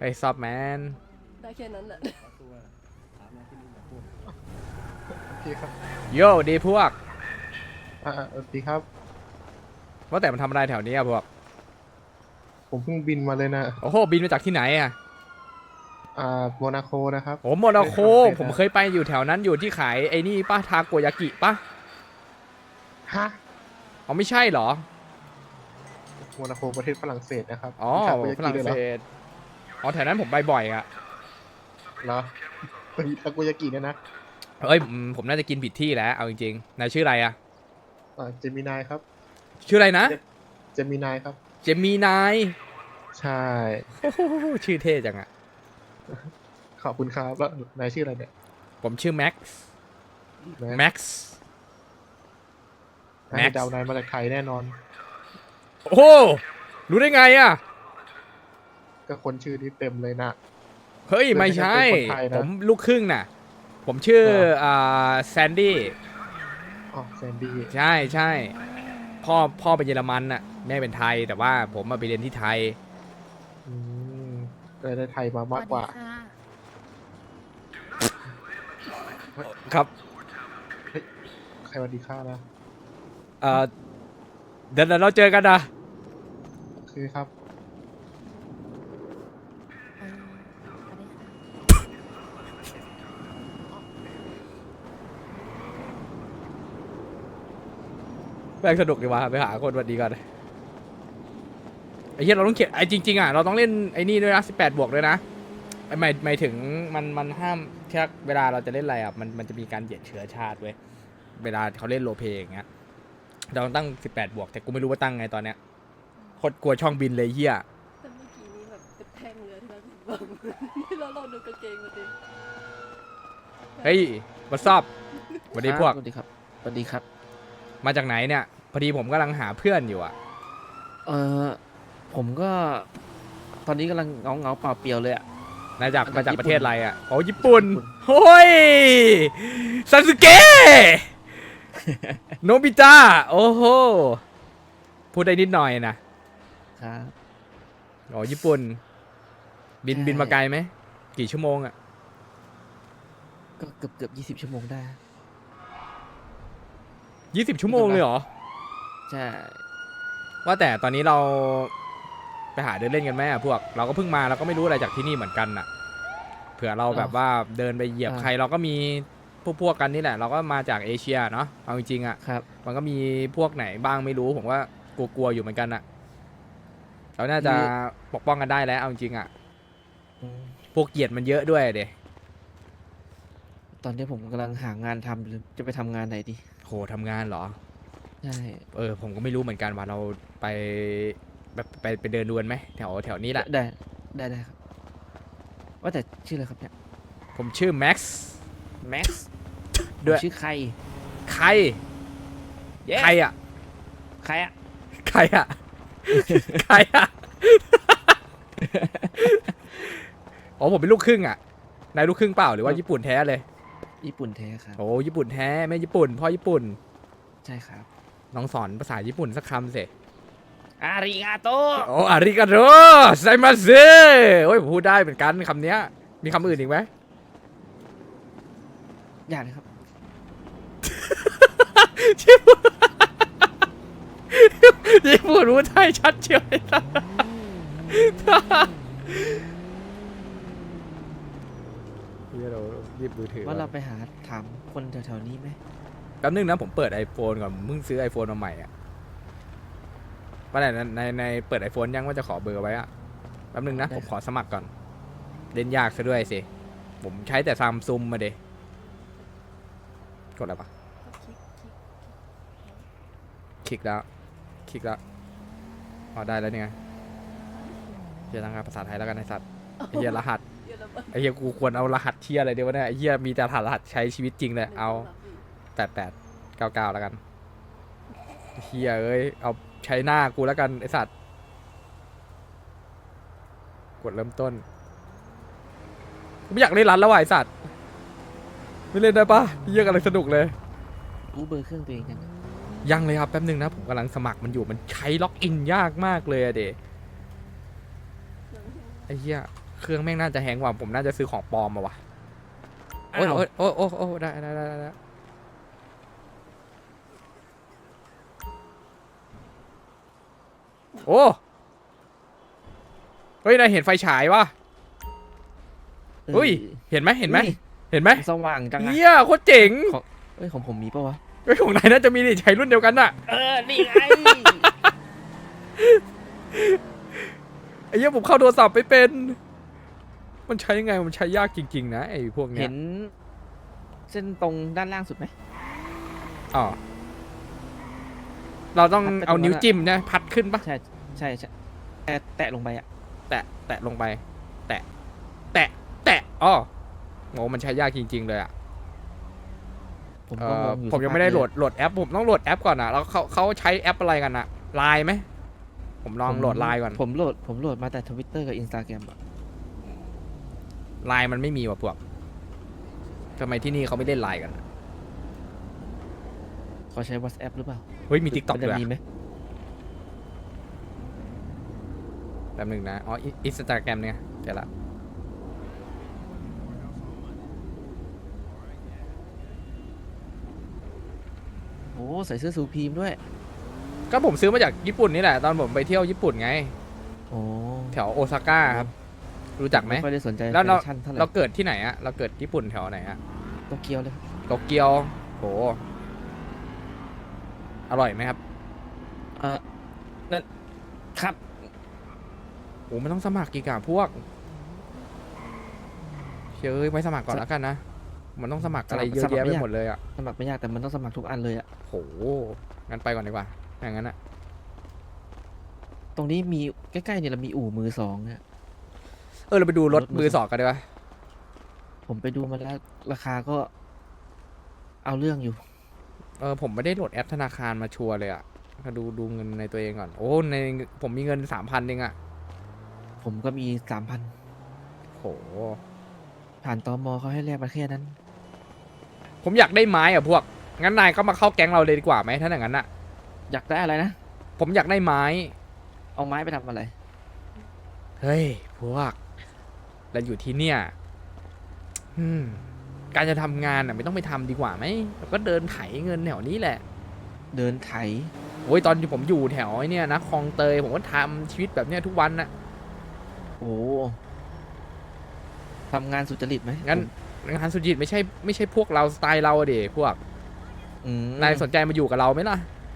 ไอ้ซับแมนได้แค่นั้นแหละโอเคครับโย่ดีพวกดีครับว่าแต่มันทำอะไรแถวนี้อะพวกผมเพิ่งบินมาเลยนะโอ้โหบินมาจากที่ไหนอะโมนาโคนะครับโอ้โมนาโคผมเคยไปอยู่แถวนั้นอยู่ที่ขายไอ้นี่ป้าทาโกยากิป้าฮะอ๋อไม่ใช่เหรอโมนาโคประเทศฝรั่งเศสนะครับอ๋อมีทาโกยาฝรั่งกิด้วยเศเหรอสอ๋อแถวนั้นผมไปบ่อยอะเหรอมีทาโกยากิเนี่ยนะเอ้ยผมน่าจะกินผิดที่แล้วเอาจริงๆนายชื่ออะไรอะเจมินายครับชื่ออะไรนะเจมินายครับเจมีนายใช่โอ้โหชื่อเท่จังอะขอบคุณครับแล้วนายชื่ออะไรเนี่ยผมชื่อแม็กซ์แม็แม็กซ์นายเดานายมาจากไทยแน่นอนโอ้โหรู้ได้ไงอะก็คนชื่อนี้เต็มเลยนะเฮ้ยไม่ใช่เป็นคนไทยนะผมลูกครึ่งน่ะผมชื่อเหรอแซนดี้อ๋อแซนดี้ใช่ใช่พ่อเป็นเยอรมันน่ะแม่เป็นไทยแต่ว่าผมมาไปเรียนที่ไทยอืมเลยได้ไทยมามากกว่าครับใครวันดีค่านะเดี๋ยวเราเจอกันนะคือครับแม่งสนุกดีวะไปหาคนวันดีก่อนไอ้เหี้ยเราต้องเขียนไอ้จริงๆอ่ะเราต้องเล่นไอ้นี่ด้วยนะ18 บวกด้วยนะไอ้หมายถึงมันห้ามแค่เวลาเราจะเล่นอะไรอ่ะมันจะมีการเหยียดเชื้อชาติเว้ยเวลาเขาเล่นโรลเพลย์อย่างเงี้ยเราต้องตั้ง18 บวกแต่กูไม่รู้ว่าตั้งไงตอนเนี้ยโคตรกลัวช่องบินเลยเหี้ยแต่เมื่อกี้นี้แบบเป็นแท่งเลยที่เราบอกที่เราลองดูกางเกงมาดิเฮ้ยมาซอบสวัสดีพวกสวัสดีครับสวัสดีครับมาจากไหนเนี่ยพอดีผมกำลังหาเพื่อนอยู่อ่ะเออผมก็ ตอนนี้กำลังเงาเปล่าเปลี่ยวเลยอ่ะมาจากมาจากประเทศญี่ปุ่นอะไรอ่ะโอ้ญี่ปุ่นญี่ปุ่นโอ้ยซาสึเกะ โนบิตะโอ้โหพูดได้นิดหน่อยนะครับ อ๋อญี่ปุ่น บินใช่บินมาไกลไหมกี่ชั่วโมงอ่ะก็เกือบ20 ชั่วโมงได้ 20 ชั่วโมงเลยเหรอใช่ว่าแต่ตอนนี้เราไปหาเดินเล่นกันไหมอ่ะพวกเราก็เพิ่งมาเราก็ไม่รู้อะไรจากที่นี่เหมือนกันอ่ะเผื่อเราแบบว่าเดินไปเหยียบใครเราก็มีพวกกันนี่แหละ เราก็มาจากเอเชียเนาะเอาจริงๆอ่ะครับมันก็มีพวกไหนบ้างไม่รู้ผมว่ากลัวๆอยู่เหมือนกันอ่ะเราน่าจะปกป้องกันได้แล้วเอาจริงๆอ่ะอืมพวกเหยียดมันเยอะด้วยเดตอนนี้ผมกำลังหางานทำหรือจะไปทำงานไหนดีโหทำงานเหรอใช่ผมก็ไม่รู้เหมือนกันว่าเราไปแบบไปเดินดูกันไหมแถวนี้แหละได้ครับ ว่าแต่ชื่ออะไรครับเนี่ยผมชื่อแม็กซ์แม็กซ์ด้วยชื่อใครใคร Yes ใครอ่ะใครอ่ะใครอ่ะ ใครอ่ะ อ๋อผมเป็นลูกครึ่งอ่ะนายลูกครึ่งเปล่าหรือว่าญี่ปุ่นแท้เลยญี่ปุ่นแท้ครับโอ้ญี่ปุ่นแท้แม่ญี่ปุ่นพ่อญี่ปุ่นใช่ครับน้องสอนภาษาญี่ปุ่นสักคำสิอาริกาโตโอ้อาริกาโตไซมาเซโอ้ยผมพูดได้เหมือนกันคำเนี้ยมีคำอื่นอีกไหมอย่าเลยครับญี่ปุ่นรู้ไทยชัดเชียวเลยนะเราหยิบมือถือว่าเราไปหาถามคนแถวๆนี้ไหมแป๊บนึงนะผมเปิด iPhone ก่อนผมเพิ่งซื้อ iPhone มาใหม่อ่ะว่าไหนในเปิด iPhone ยังว่าจะขอเบอร์ไว้อ่ะแป๊บนึงนะผมขอสมัครก่อนเล่นยากซะด้วยสิผมใช้แต่ซัมซุงมาเดกดอะไรปะ คลิกแล้วอ๋อได้แล้วเนี่ยเฮียทางการภาษาไทยแล้วกันไอสัตว์ไอเฮียรหัสเยอรมันไอเฮียกูควรเอารหัสเทียอะไรเดียวะเนี่ยไอเฮียมีแต่รหัสใช้ชีวิตจริงเลยเอา8899แล้วกันเฮียเอ้ยเอาใช้หน้ากูแล้วกันไอสัตว์กดเริ่มต้นกูไม่อยากเล่นรันแล้วว่ะไอสัตว์ไม่เล่นได้ปะเฮียกำลังสนุกเลยรู้เบอร์เครื่องตัวเองยังยังเลยครับแป๊บนึงนะผมกำลังสมัครมันอยู่มันใช้ล็อกอินยากมากเลยอะเดไอ้เหี้ยเครื่องแม่งน่าจะแฮงก์ว่ะผมน่าจะซื้อของปลอมมาวะโอ้ยอ้าวโอ้ยโอ้ยโอ้ยได้ได้โอ้เฮ้ยนายเห็นไฟฉายวะเฮ้ยเห็นไหมเห็นไหมอุ้ยเห็นไหมสว่างจังอะเฮียโคตรเจ๋งเอ้ยของผมมีปะวะเฮ้ยของนายน่าจะมีดิใช้รุ่นเดียวกันน่ะนี่ไงไอ้เหี้ยผมเข้าโทรศัพท์ไม่เป็น มันใช้ยังไงมันใช้ยากจริงๆนะไอ้พวกเนี้เห็ยนเส้นตรงด้านล่างสุดไหมอ๋อเราต้องพัดไปเอาตรงนั้นนิ้วอะจิ้มนะพัดขึ้นปะใช่ใช่ใช่แตะลงไปอ่ะแตะลงไป แตะแตะอ๋อโหมันใช้ยากจริง ๆ เลยอ่ะผมก็งงอยู่ผมยังไม่ได้โหลดแอปผมต้องโหลดแอปก่อนอ่ะแล้วเขาใช้แอปอะไรกันอ่ะไลน์ไหมผมลองโหลดไลน์ก่อนผมโหลดมาแต่ Twitter กับ Instagram อ่ะไลน์มันไม่มีว่ะพวกทำไมที่นี่เขาไม่เล่นไลน์กันอะเขาใช้ WhatsApp หรือเปล่าเฮ้ยมีทิกตอกมันด้จะวยมีอะไหมแป๊บหนึงนะอ๋ออินสตาแกรมเนี่ยเดี๋ยวละโอ้ใส่เสื้อซูพีมด้วยก็ผมซื้อมาจากญี่ปุ่นนี่แหละตอนผมไปเที่ยวญี่ปุ่นไงโอ้แถวโอซาก้าครับ รู้จักไหมไม่ค่อยได้สนใจแล้วเราแฟชั่นเท่าไหร่เราเกิดที่ไหนอะเราเกิดญี่ปุ่นแถวไหนอะโตเกียวเลยโตเกียวโหอร่อยไหมครับนั่นครับโอ้มันต้องสมัครกี่กะพวกเชยไว้สมัครก่อนแล้วกันนะมันต้องสมัครอะไรเยอะแยะไปหมดเลยอะสมัครไม่ยากแต่มันต้องสมัครทุกอันเลยอ่ะโหงั้นไปก่อนดีกว่าอย่างนั้นอะตรงนี้มีใกล้ๆเนี่ยเรามีอู่มือสองเนี่ยเราไปดูรถรถมืมืออสองกันดีกว่าผมไปดูมาแล้วราคาก็เอาเรื่องอยู่ผมไม่ได้โหลดแอปธนาคารมาชัวร์เลยอะมาดูเงินในตัวเองก่อนโอ้ในผมมีเงิน3,000เองอะผมก็มี 3,000 โหผ่านตมเขาให้แลกมาแค่นั้นผมอยากได้ไม้อะพวก งั้นนายก็มาเข้าแก๊งเราเลยดีกว่าไหมถ้าอย่างนั้นอะอยากได้อะไรนะผมอยากได้ไม้เอาไม้ไปทำอะไรเฮ้ยพวกเราอยู่ที่เนี่ยการจะทำงานอะไม่ต้องไปทำดีกว่าไหมเราก็เดินไถเงินแถวนี้แหละเดินไถโอ้ยตอนที่ผมอยู่แถวไอ้เนี่ยนะคลองเตยผมก็ทำชีวิตแบบเนี้ยทุกวันนะโอ้ทำงานสุจริตไหมงั้นงานสุจิตไม่ใช่พวกเราสไตล์เราอะเดพวกอืมนายสนใจมาอยู่กับเราไหมล่ะ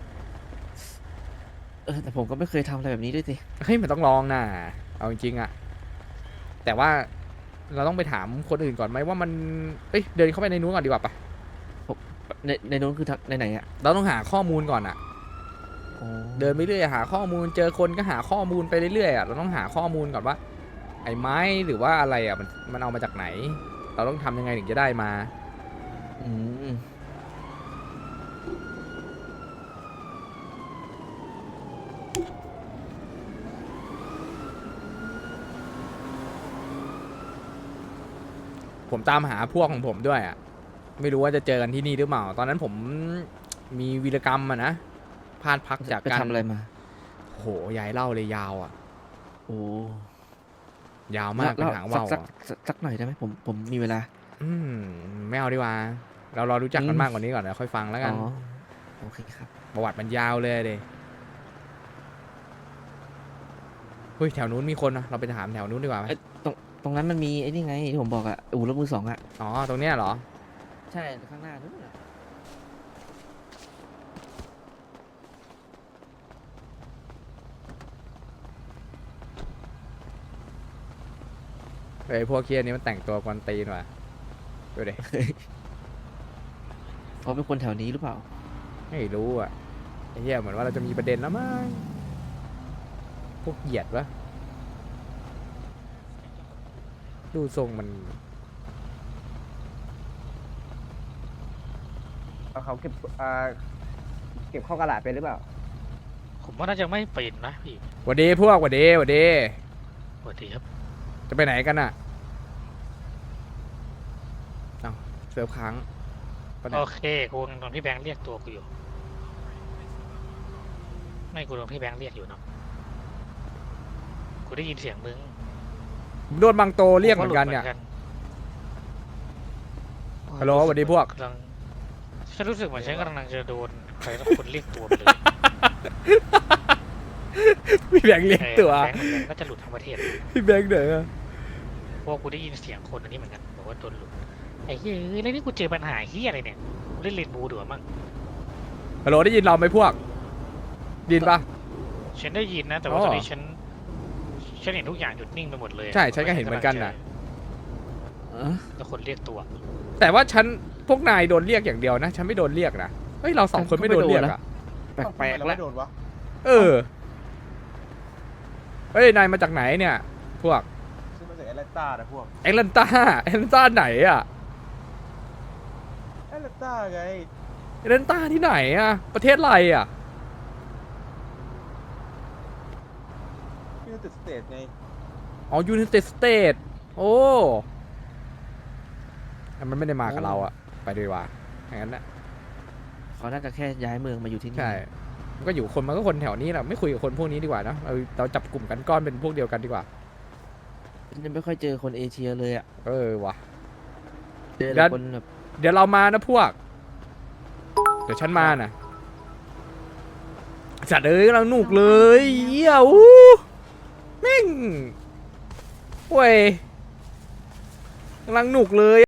แต่ผมก็ไม่เคยทำอะไรแบบนี้ด้วยสิเฮ้ยมันต้องลองนะเอาจริงๆอะแต่ว่าเราต้องไปถามคนอื่นก่อนไหมว่ามันเดินเข้าไปในนู้นก่อนดีกว่าปะในนู้นคือในไหนอ่ะเราต้องหาข้อมูลก่อนอะโอ้เดินไปเรื่อยหาข้อมูลเจอคนก็หาข้อมูลไปเรื่อยๆอะเราต้องหาข้อมูลก่อนว่า ไอ้ไม้หรือว่าอะไรอะมันเอามาจากไหน เราต้องทำยังไงถึงจะได้มาอืมผมตามหาพวกของผมด้วยอะไม่รู้ว่าจะเจอกันที่นี่หรือเปล่า ตอนนั้นผมมีวีรกรรมอะนะพลาดพักจากไปการทำอะไรมาโหยายเล่าเลยยาวอะโอ้ยาวมากเป็นหางว่าวสักอะสักหน่อยได้ไหมผมมีเวลาไม่เอาดีกว่า เรารอรู้จักกันอืมมากกว่านี้ก่อนเดี๋ยวค่อยฟังแล้วกันอ๋อโอเคครับประวัติมันยาวเลยเดเฮ้ยแถวนู้นมีคนนะเราไปถามแถวนู้นดีกว่าไหมเอ้ยตรงนั้นมันมีไอ้นี่ไงที่ผมบอกอะอู่รถมือสองอะอ๋อตรงเนี้ยเหรอใช่ข้างหน้านู้นอะไอ้พวกเคียนี้มันแต่งตัวกวนตีนว่ะดูดิเขาเป็นคนแถวนี้หรือเปล่าไม่รู้อ่ะไอ้เหี้ยเหมือนว่าเราจะมีประเด็นแล้วมั้งพวกเหยียดวะดูทรงมันเขาเก็บเข้ากระดาษไปหรือเปล่าผมว่าน่าจะไม่เป็นนะพี่หวัดดีพวกหวัดดีหวัดดีสวัสดีครับจะไปไหนกันอ่ะเอ้าเซิร์ฟค้างปะเนี่ยโอเคกูโดนพี่แบงค์เรียกตัวกูอยู่ไม่กูโดนพี่แบงค์เรียกอยู่เนาะกูได้ยินเสียงมึงผมโดนบางโตเรียกเหมือนกันเนี่ย ฮัลโหลสวัสดีพวกกำลังฉันรู้สึกเหมือนฉันกำลังจะโดนใครสักคนเรียกตัวไปเลยพี่แบงค์เรียกตัวแบงค์เหมือนกันก็จะหลุดทั้งประเทศพี่แบงค์เหนอเพราะว่ากูได้ยินเสียงคนอันนี้เหมือนกันบอกว่าโดนหลุดไอ้เฮ้ยแล้วนี่กูเจอปัญหาเฮียอะไรเนี่ยกูเล่นเลนบูดูมั้งฮัลโหลได้ยินเราไหมพวกไดยินปะฉันได้ยินนะแต่ว่าอ๋อตอนนี้ฉันเห็นทุกอย่างหยุดนิ่งไปหมดเลยใช่ฉันก็เห็นเหมือนกันน่ะแล้วคนเรียกตัวแต่ว่าฉันพวกนายโดนเรียกอย่างเดียวนะ ฉันไม่โดนเรียกนะ เฮ้ย เราสองคนไม่โดนเรียกอะแปลกๆแล้วเออ เฮ้ย นายมาจากไหนเนี่ย พวกซึ่งมาจากแอตแลนตานะพวกแอตแลนตาแอตแลนตาไหนอะแอตแลนตาไงแอตแลนตาที่ไหนอะประเทศอะไรอะยูไนเต็ดสเตทไงอ๋อยู i นเต็ดสเตทโอ้มันไม่ได้มากับเราอะไปดีกว่าอย่างนั้นนะเขาน่าจะแค่ย้ายเมืองมาอยู่ที่นี่ใช่ มันก็อยู่คนมันก็คนแถวนี้แหละไม่คุยกับคนพวกนี้ดีกว่านะเราจับกลุ่มกันก้อนเป็นพวกเดียวกันดีกว่าฉันยังไม่ค่อยเจอคนเอเชียเลยอ่ะเออว่ะเจอแล้แต่วคนแบบเดี๋ยวเรามานะพวก เดี๋ยวฉันมานะจัดเอ้ยกำลังหนุกเลยเหี้ยอู้แม่งเว้ยกำลังหนุกเลย